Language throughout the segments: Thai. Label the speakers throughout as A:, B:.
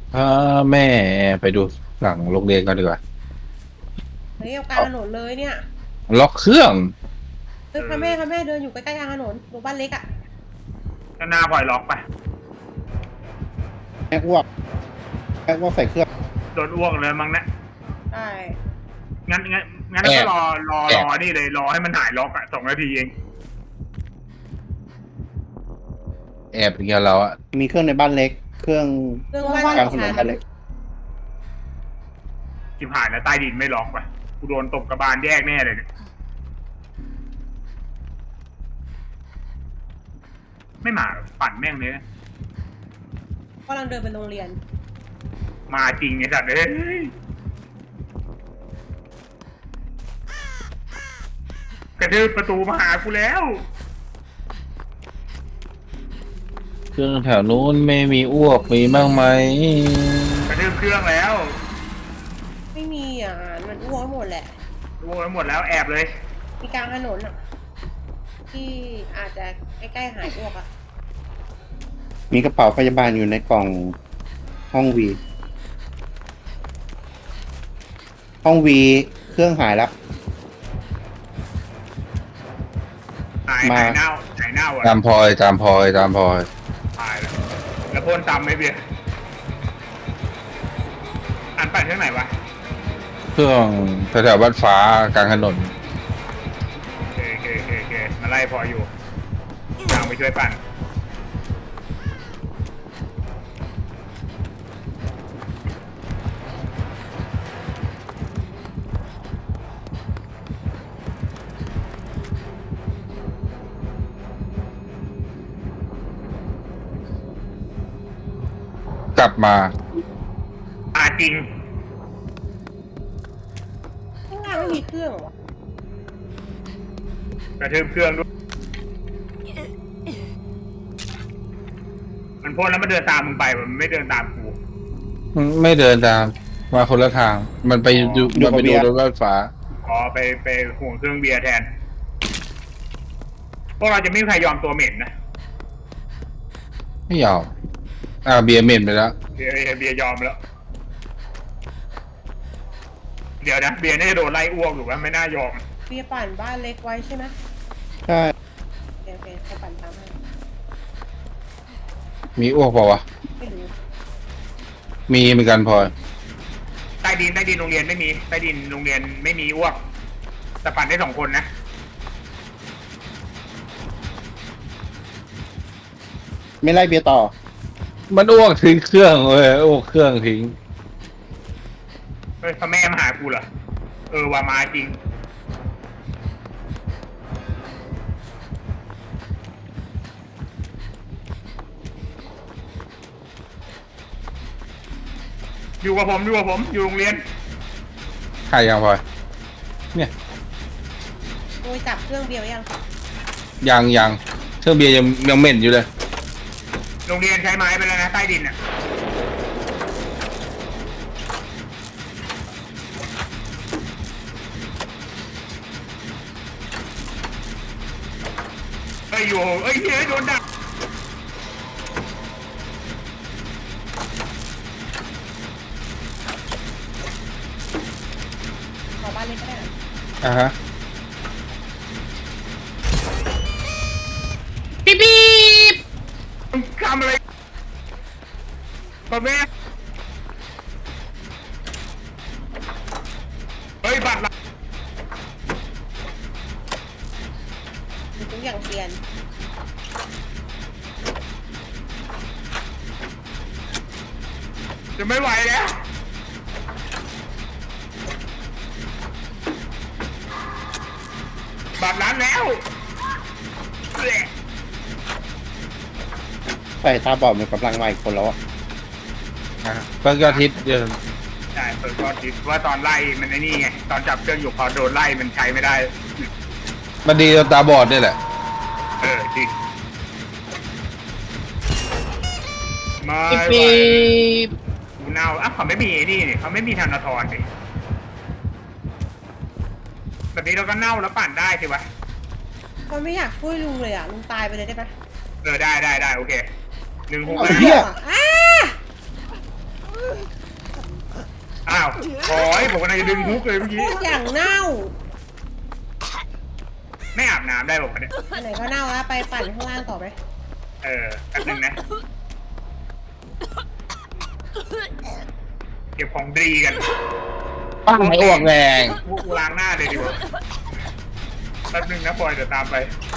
A: พาแม่ไปดูหลังโรงเรียนกันดีกว่า
B: เฮ้ยเอากลางถนนเลยเนี่ย
A: ล็อกเครื่อง
B: เฮ้ยพาแม่เดินอยู่ใกล้ๆกลางถนนตรงบ้านเล็กอ่ะ
C: ก็หน้าปล่อยล็อกไป
D: แม่อ้วกแม่อ้วกใส่เครื่อง
C: โดนอ้วกเลยมั้งนะ
B: ใช่
C: งั้นก็รอนี่เลยรอให้มันหายล็อกอ่ะ2 นาทีเอง
A: แอบอย่างเงี้ยเราอะ
D: มีเครื่องในบ้านเล็ก เครื่อง
B: เรื่องบ้าน
D: กลางถน
B: ฉั
D: น
B: น
D: บ้านเล็ก
C: จิบหายแล้วใต้ดินไม่ล็อกว่ะกูโดนตกกระบาลแยกแน่เลยเนี่ยไม่มาหรอกปั่นแม่งเลยนะ
B: กำลังเดินไปโรงเรียน
C: มาจริงไอ้สัตว์เอ้ยกระทืบประตูมาหากูแล้ว
A: เครื่องแถวนู้นไม่มีอ้วกมีบ้างไหม
C: กระทืบเครื่องแล้ว
B: ไม่มีอ่ะมันอ้วกหมดแหละ
C: อ้วกไปหมดแล้วแอบเลย
B: มีกลางถนนอ่ะที่อาจจะใกล้ๆหายอ้วกอ่ะ
D: มีกระเป๋าพยาบาลอยู่ในกล่องห้องวี ห้องวีเครื่องหายแล้ว
C: หาย
D: มา
C: เน่าอ่ะ
A: ตามพลอยตามพลอยตามพลอย
C: ตายแล้วแล้วพ่นซ้ำไหมเบียร์อันปั่นเครื่องไหนวะ
A: เครื่องแถวๆบ้านฟ้ากลางถนน
C: โอเคมาไล่พออยู่ทางไปช่วยปั่น
A: กลับมา
C: จริง
B: ข้างล่างไม่มีเครื่องเหรอวะ
C: กระทืบเครื่องด้วยมันพ่นแล้วมันเดินตามมึงไปมันไม่เดินตามกู
A: ไม่เดินตามมาคนละทาง มันไปดูมันไปดูรถบ้านฟ้า
C: อ๋อไปห่วงเครื่องเบียร์แทนพวกเราจะไม่มีใครยอมตัวเหม็นนะ
A: ไม่ยอมเบียร์เหม็นไปแล้ว
C: เบียร์ยอมแล้ว เดี๋ยวนะเบียร์น่าจะโดนไล่อ้วกอยู่ว่าไม่น่ายอม
B: เบียร์ปั่นบ้านเล็กไว้ใช่ไหม
D: ใช่
B: โอเคเขาปั่นตามให้
A: มีอ้วกเปล่าวะ
B: ไม่รู้
A: มีเหมือนกันพลอย
C: ใต้ดินโรงเรียนไม่มีใต้ดินโรงเรียนไม่มีอ้วกแต่ปั่นได้2 คนนะ
D: ไม่ไล่เบียร์ต่อ
A: มันอ้วกทิ้งเครื่องเลยอ้วกเครื่องทิ้ง
C: เฮ้ยพ่อแม่มาหากูเหรอว่ามาจริงอยู่กับผมอยู่โรงเรียน
A: ใครยังพลอยเนี่ย
B: โดยจับเครื่องเบียร์ไว้ยัง
A: ยังเครื่องเบียร์ยังเหม็นอยู่เลย
C: โรงเรียนใช้ไม้ไปแล้วนะใต้ดินอ่ะเฮ้ยโดนดัก
B: ขอบ้านเล็กก็ได้นะ
A: ฮะ
C: มึงทำอะไรพ่อแม่เฮ้ยบัตรละ
B: มีทุกอย่างเปลี่ยน
C: จะไม่ไหวแล้วบัตรร้านแล้วแหละ
D: ใส่ตาบอดมันกำลังมาอีกคนแล้วอะ
A: เพิ่งยอดฮิตเดือน
C: ใช่เปิดก็คิดว่าตอนไล่มันไอ้นี่ไงตอนจับเครื่องอยู่พอโดนไล่มันใช้ไม่ได้
A: มันดีตาบอดนี่แหละ
C: จริงไม่ไหวกูเน่าเขาไม่มีไอ้นี่เขาไม่มีธนาธรดิแบบนี้เราก็เน่าแล้วปั่นได้สิวะ
B: เขาไม่อยากช่วยลุงเลยอ่ะลุงตายไปเลยได้ไหม
C: ได้โอเค1 6
D: เอา
C: 5
D: เหี้ย
B: อ้า
C: าวโอ้ยผมกำลังจะดึงฮุกเลยเมื่อกี้
B: อย่างเน่า
C: ไม่อาบน้ำได้ผมเนี่ย
B: อันไหนก็เน่าแล้วไปปั่นข้างล่างต่อไหม
C: แป๊บนึงนะเก็บของดีกัน
A: ปั้งให้อ้วกแรง
C: พวกกูล้างหน้าเลยดีกว่าแป๊บนึงนะปอยเดี๋ยวตามไป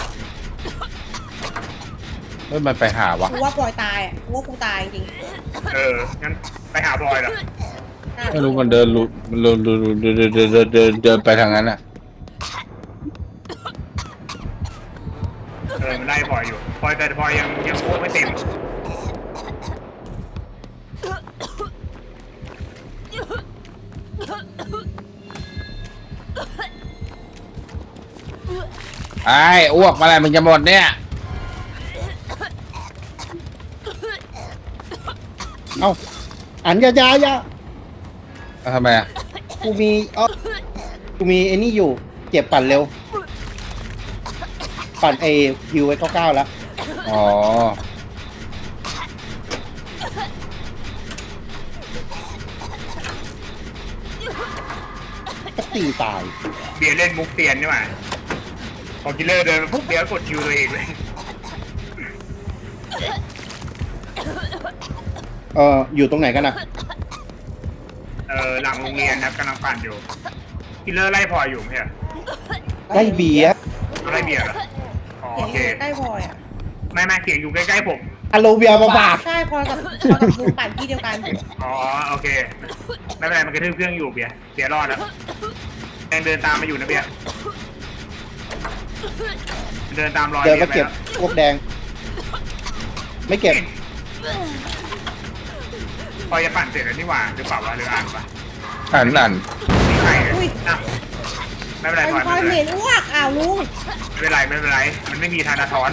A: เฮ้ยมันไปหาวะ
B: กูว่าปล่อยตายอ่ะกูว่ากูตายจริง
C: งั้นไปหาบอยเหรอ
B: ๆ
A: ไม่รู้มันเดินลุมันเดินไปทางนั้นอ่ะ
C: มันไล่บอยอยู่บอยแต่บอยยังโค้ไม่เต็ม
A: ไอ้อ้วกมาอะไรมึงจะหมดเนี่ย
D: เอ้าอันอยา
A: ทำไมอ่ะ
D: กูมีกูมีไอ้นี่อยู่เก็บปั่นเร็ว ปั่นฮิวไว้99แล้ว
A: อ๋อ
D: ก็ตีตาย
C: เบียร์เล่นมุกเตียนใช่ไหมพอกิลเลอร์เดินมาปุ๊บเบียร์กดคิวตัวเองเลย
D: อยู่ตรงไหนกันนะ
C: หลังโรงเรียนครับกำลังปั่นอยู่กิลเลอร์ไล่พอยอยู่ไหมเหรอ
D: ได้เบียร์
C: ไล่เบียร์เหรออ๋อ
B: เสีย
C: โอง เค
B: อยู่ใกล้พลอยอ่ะ
C: ไม่เสียงอยู่ใกล้ๆผม
D: อโลเบียร์มาฝาก
B: ใช่พลอยกับลุงปั่นที่เดียวกัน
C: อ๋อโอเคไม่เป็นไรมันกระทืบเครื่องอยู่เบียร์รอดแล้วยังเดินตามมาอยู่นะเบียร์เดินตามรอย
D: เดิน
C: เบีย
D: มา
C: ร์ไป
D: เก็บ
C: แล้ว
D: พวกแดง ไม่เก็บ
C: พอจะปั่นเสร็จแล้วนี่หว่าหรือเปล่าวะหรืออ่านปะ
A: อ่าน
C: นี่ใครอ่ะไม่เป็นไร
B: เป็น
C: พลอย
B: พลอยเหม็นอ้วกอ้าวลุง
C: ไม่เป็นไรมันไม่มีธนาธร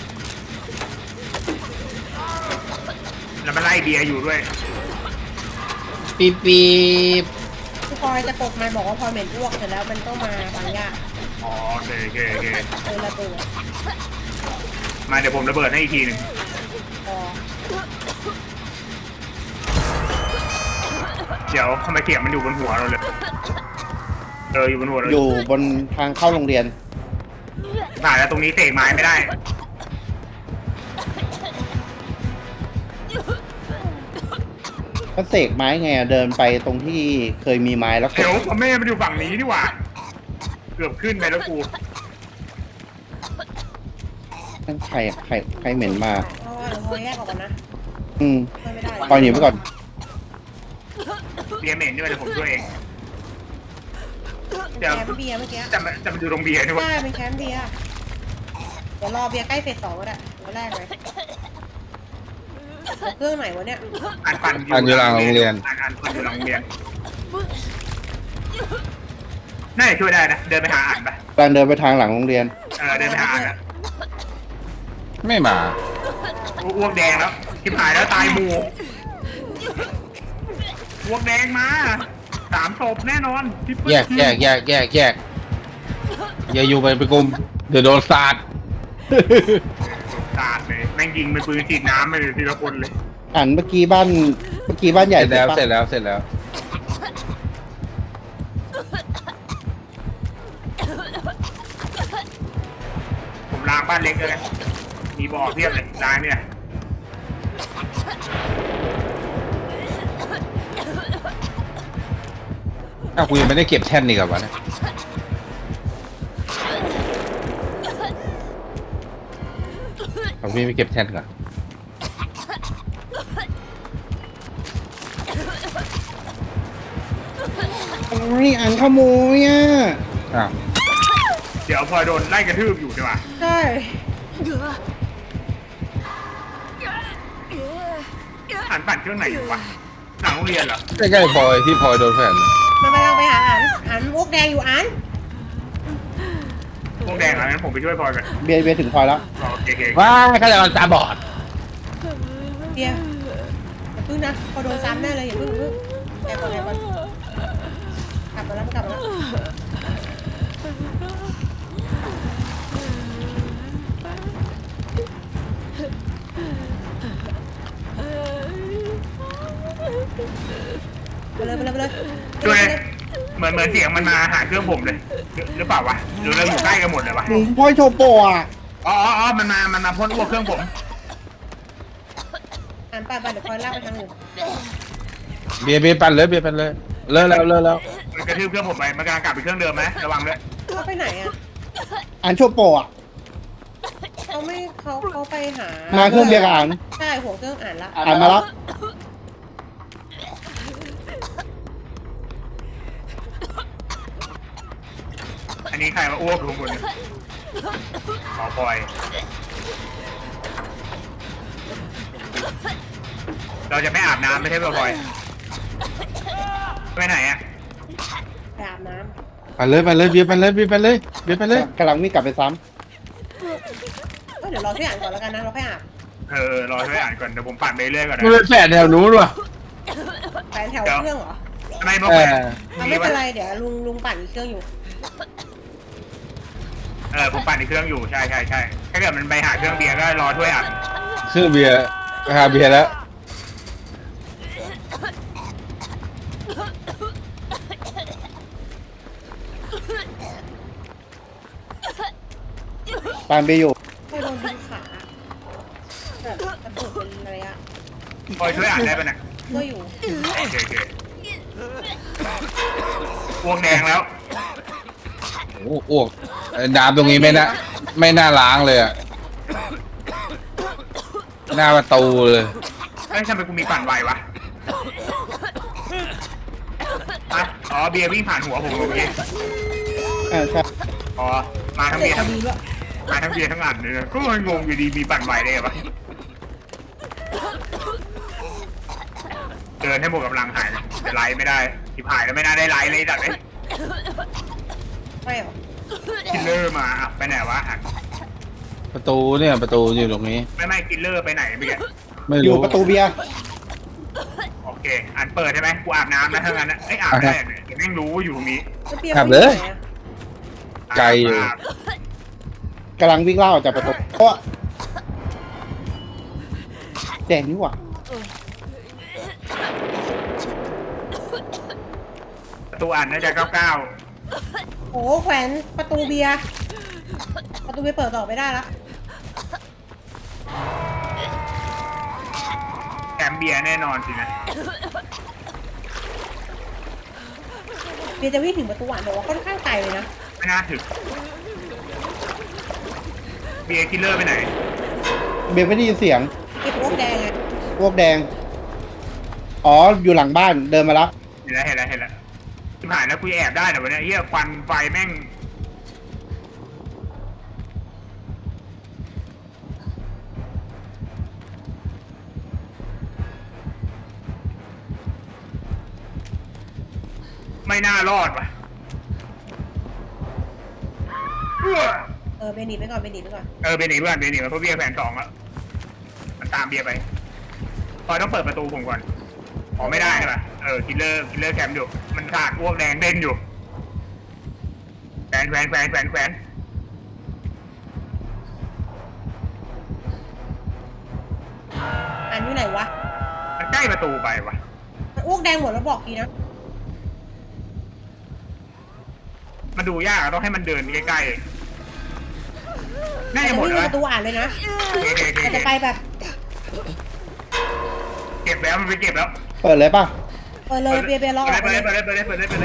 C: แล้วมันไล่เบียร์อยู่ด้วย
A: ปี๊บปี๊บ
B: คือพลอยจะกดมาบอกว่าพลอยเหม็นอ้วกเสร็จแล้วมันต้องมาฟังยาก
C: อ๋อโอเค
B: ระเบิด
C: มาเดี๋ยวผมระเบิดให้อีกทีหนึ่ง
B: พอ
C: เดี๋ยวทำไมเสียงมันอยู่บนหัวเราเลยอยู่บนหัวเรา
D: อยู่บนทางเข้าโรงเรียน
C: ผ่านแล้วตรงนี้เตะไม้ไม่ได้
D: ก็เสกไม้ไงเดินไปตรงที่เคยมีไม้แล้วก
C: เดี๋ยว
D: ด
C: พ่อแม่มันอยู่ฝั่งนี้ดีกว่า เกือบขึ้นไปแล้วกู
D: นั่นใครอะใครเหม็นมา
B: เพราะว่าเราพลอยแยกออกกันนะ ไม่ได้
D: ปล่อยหนีไปก่อน
C: เบียร์เหม็นด้วยเดี๋ยวผมช่วยเอง
B: แคมป์เบียร์เมื่อกี้
C: จะมาดูตรงเบียร์นี่วะ
B: ใช่เป็นแคมป์เบียร์เดี๋ยวรอเบียร์ใกล้เฟส 2ก็ได้ตัวแรกเลยเครื่องไหนวะเนี่ย
C: ปั่นอยู่หลังโรงเรียนปั่นอยู่หลังโรงเรียนน่าจะช่วยได้นะเดินไปหาอ่านปะ
D: การเดินไปทางหลังโรงเรียน
C: เดินไปหาอ่านอะ
A: ไม่มา
C: อ้วกแดงแล้วชิบหายแล้วตายหมู่อ้วกแดงมา3 ศพแน่นอน
A: แยกอย่าอยู่ไปกลุ่มเดี๋ยวโดนสาด
C: สาดเลยแม่งยิงเป็นปืนฉีดน้ำไปเลยทีละคนเลย
D: อ่านเมื่อกี้บ้านใหญ่
A: เสร็จแล้ว
D: ปะ
A: เสร็จแล้ว
C: ผมล้างบ้านเล็กเลยมีบ่อเพียบเลยล้างเนี่ย
A: อ้าวกูยังไม่ได้เก็บแท่นนี่กับวะเนี่ยเอาพี่ไม่เก็บแท่นก่อน
D: โอ้ยอ่านขโมยอ่ะ
A: อ้าว
C: เดี๋ยวพอโดนไล่กระทืบอยู่ใช่ปะ
B: ใช่
C: หันปั่นเครื่องไหนอยู่วะหลังโรงเรียนเหรอ
A: ใกล้ๆพลอยที่พลอยโดนแผ่น
B: มันกำลังไปหาอันอ้วกแดงอยู่อัน
C: พวกแดงเหรองั้นผมไปช่วยพลอยกัน
D: เบียร์ถึงพลอยแล้ว
C: โอเค
A: ว้าข้าจะเอาตาบอด
B: เบียร์อย่าพึ่งนะพอโดนซ้ำแน่เลยอย่าพึ่งแอบก่อนกลับมาแล้วเลยไปเลยไปเลย
C: ช่วยเหมือนเสียงมันมาหาเครื่องผมเลยหรือเปล่าวะหรือเราอยู่ใกล้กันหมดเลยวะ
D: หนูพ่อยโชโปอ่ะ
C: อ๋อมันมาพ่นอ้วกเครื่องผม
B: อ่านไปเดี๋ยวคอยลากไปทางอื่น
A: เบียร์ปั่นเลยเบียร์ปั่นเลยเลิกแล้ว
C: มันกระทืบเครื่องผมไปมันกำลังกลับไปเครื่องเดิมไหมระวังด้วย
B: เขาไปไหนอ่ะ
D: อ่านโชโปอ่ะ
B: เขาไปหา
D: มาเครื่องเบียร์กับอ่าน
B: ใช่หัวเครื่องอ่านละ
D: อ่านมาแล้ว
C: อันนี้ใครมาอ้วกอยู่ข้างบนเนี่ยขอคอยเราจะไม่อาบน้ำไม่ใช่เปล่าพลอยไปไหนอ่ะ
B: ไปอาบน้
A: ปั่นเลยเบียร์ปั่นเลย
D: กำลังวิ่งกลับไปซ้
B: ำเดี๋ยวรอช่วยอ่านก่อนแล้วกันนะเราค่อยอาบ
C: รอช่วยอ่านก่อนเดี๋ยวผมปั่นไปเรื่อยก่อนนะ
A: มันเป็นแฝดแถวนู้นว่ะ
B: ไปแถวเครื่องเหรอ
C: ทำไมบอกแหวน
B: ไม่เป็นไรเดี๋ยวลุงปั่นอีกเครื่องอยู่
C: ผมปั่นในเครื่องอยู่ใช่ถ้าเกิดมันไปหาเครื่องเบียร์ก็รอช่วยอ่าน
A: คือเบียร์หาเบียร์แล้ว
D: ำตามไปอยู่
B: ค่อยโดนดึงขาแบบกระตุกเป็นระยะ
C: พลอยช่วยอ่านได้ปะเนี่ย
B: ก็อยู่
C: โอเคอ้วกแดงแล้ว
A: โอ้อ้วกน้ำตรงนี้ไม่น่าล้างเลยอ่ะหน้าประตูเลย
C: ทำไมกูมีปั่นไววะอ๋อเบียร์วิ่งผ่านหัวผมเมื่อกี้
D: ใช่
C: อ๋อมาทั้ง
B: เด็
C: เบี
B: ก
C: ยร์
B: พ
C: ทั้
B: อง ดีด้วย
C: มาทั้งเบียร์ทั้งอันเลยนะก็งงอยู่ดีมีปั่นไวได้ไงวะเดินให้หมดกำลังหายจะไล่ไม่ได้ที่หายแล้วไม่น่าได้ไล่เลยจัดเลย
B: ไม่หรอ
C: คิลเลอร์มาไปไหนวะอ่ะ
A: ประตูอยู่ตรงนี้
C: ไม่คิลเลอร์ไปไหนเมื่อกี้
A: ไม่
D: อยู่
A: รู้
D: ประตูเบียร์
C: โอเคอันเปิดใช่ไหมกูอาบน้ำนะทั้งนั้นนะไอ้อาบได้เนี่ยเดี๋ยวแม่งรู้ว่าอยู่ตรงนี้
A: ไกลอยู่
D: กำลังวิ่งเล่าออกจากประตูเพราะแดงนี่หว่า
C: ประตูอ่านน่าจะ99
B: โอ้แขวนประตูเบียร์เปิดต่อไม่ได้ละ
C: แถมเบียร์แน่นอนสินะ
B: เบียร์จะวิ่งถึงประตูอ่านบอกว่าค่อนข้างไกลเลยนะ
C: ไม่น่าถึงเบียร์คิลเลอร์ไปไหน
D: เบียร์ไม่ได้ยินเสียง
B: เก็บพวกแดงไง
D: พวกแดง อ๋อ อยู่หลังบ้านเดินมาแล้ว
C: เห็นแล้วที่ผ่านแล้วกูแอบได้แต่วันนี้เฮียควันไฟแม่งไม่น่ารอดว่ะ
B: เบนหนีไปก่อน
C: เบนหนีมาเพราะเบียร์แผน2แล้วมันตามเบียร์ไปพอต้องเปิดประตูผมก่อนอ๋อไม่ได้ใช่ป่ะคิลเลอร์แคมป์อยู่มันขาดอ้วกแดงเด่นอยู่แขวน
B: อ่านอยู่ไหนวะ
C: มันใกล้ประตูไปว่ะ
B: มันอ้วกแดงหมดแล้วบอกทีนะ
C: มันดูยากอะต้องให้มันเดินใกล้ๆน่าจะหมด
B: วิ่ง
C: แล้ว
B: ประตูอ่านเลยนะ
C: โอเค
B: แต่จะไปแบบ
C: เก็บแล้วมันไปเก็บแล้ว
D: เปิดเลยป่ะ
B: เปิดเลยเบียร์รอออก
C: ไป
B: เลย
C: เลย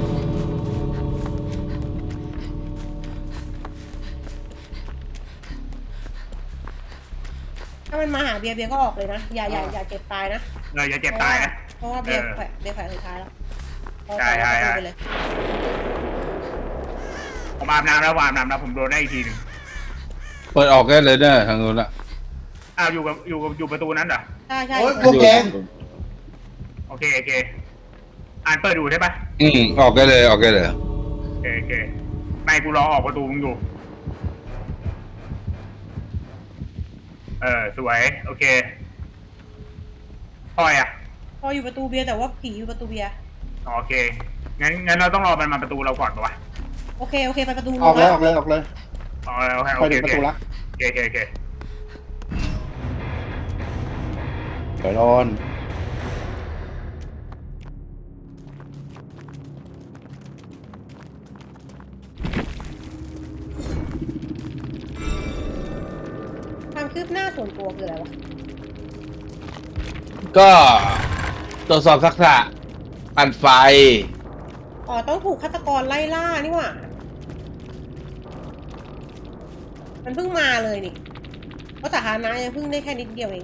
B: ถ้ามันมาหาเบียร์ก็ออกเลยนะอย่าเจ็บตายนะ
C: อย่าเจ็บตายนะ
B: เพราะว่าเบียร์แขวนสุดท้ายแล้ว
C: ใช่
B: ไปเลย
C: ผมอาบน้ำแล้วผมโดนได้อีกทีหนึ่ง
A: เปิดออกได้เลยเนอะทางนู้นละ
C: อยู่ประตูนั้นเหรอ
B: ใช่
D: โอ๊ยพวกแดง
C: โอเคอ่านเปิดดูใช่ปะ
A: ออกได้เลย
C: โอเคไม่กูรอออกประตูมึงอยู่สวยโอเคพอยอ่ะ
B: พออยู่ประตูเบียร์แต่ว่าผีอยู่ประตูเบียร์
C: โอเคงั้นเราต้องรอมันมาประตูเราก่อนปะวะ
B: โอเคไปประตู
D: ออกเลย
C: โอเค
D: ไปถึงประตูละ
C: โอเค
D: เดี๋ยวโดน
B: ส่วนตัวคืออะไรวะ
A: ก็ตรวจสอบทักษะปั่นไฟ
B: อ๋อต้องถูกฆาตกรไล่ล่านี่หว่ามันเพิ่งมาเลยนี่เพราะสาธารณะยังเพิ่งได้แค่นิดเดียวเอง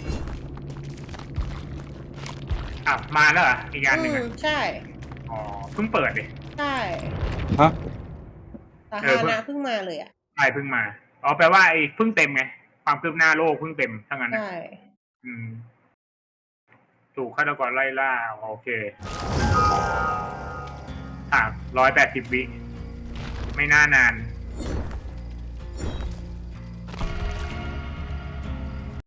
C: อ้าวมาแล้วเหรออีกอันหนึ่งอะ
B: ใช่
C: อ๋อเพิ่งเปิดดิ
B: ใช่
A: ฮะ
B: สาธารณะเพิ่งมาเลยอ่ะ
C: ใช่เพิ่งมาอ๋อแปลว่าไอ้เพิ่งเต็มไงความคืบหน้าโลกเพิ่งเต็มทั้งนั้นนะ
B: ใช่
C: อืมถูกฆาตกรไล่ล่าโอเค180 วิไม่น่านาน